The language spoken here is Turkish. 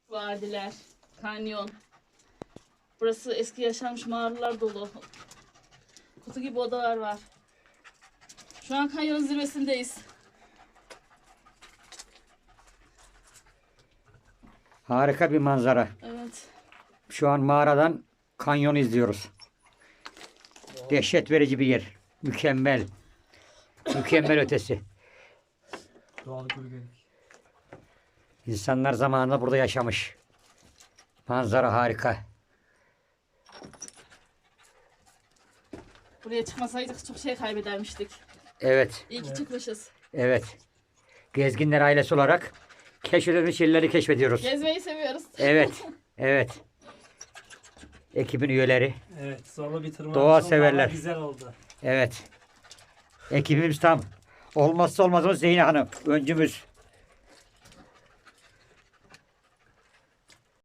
Vadiler, kanyon. Burası eski yaşanmış mağaralar dolu. Kutu gibi odalar var. Şu an kanyonun zirvesindeyiz. Harika bir manzara. Evet. Şu an mağaradan kanyonu izliyoruz. Dehşet verici bir yer. Mükemmel. Mükemmel ötesi. Doğal gölgelik. İnsanlar zamanında burada yaşamış. Manzara harika. Buraya çıkmasaydık çok şey kaybedermiştik. Evet. İyi ki çıkmışız. Evet. Gezginler ailesi olarak keşfedilmiş yerleri keşfediyoruz. Gezmeyi seviyoruz. Evet. Evet. Ekibin üyeleri. Evet, zorlu bir tırmanış Doğa oldu severler. ama güzel oldu. Evet. Ekibimiz tam. Olmazsa olmazımız Zeyne Hanım. Öncümüz.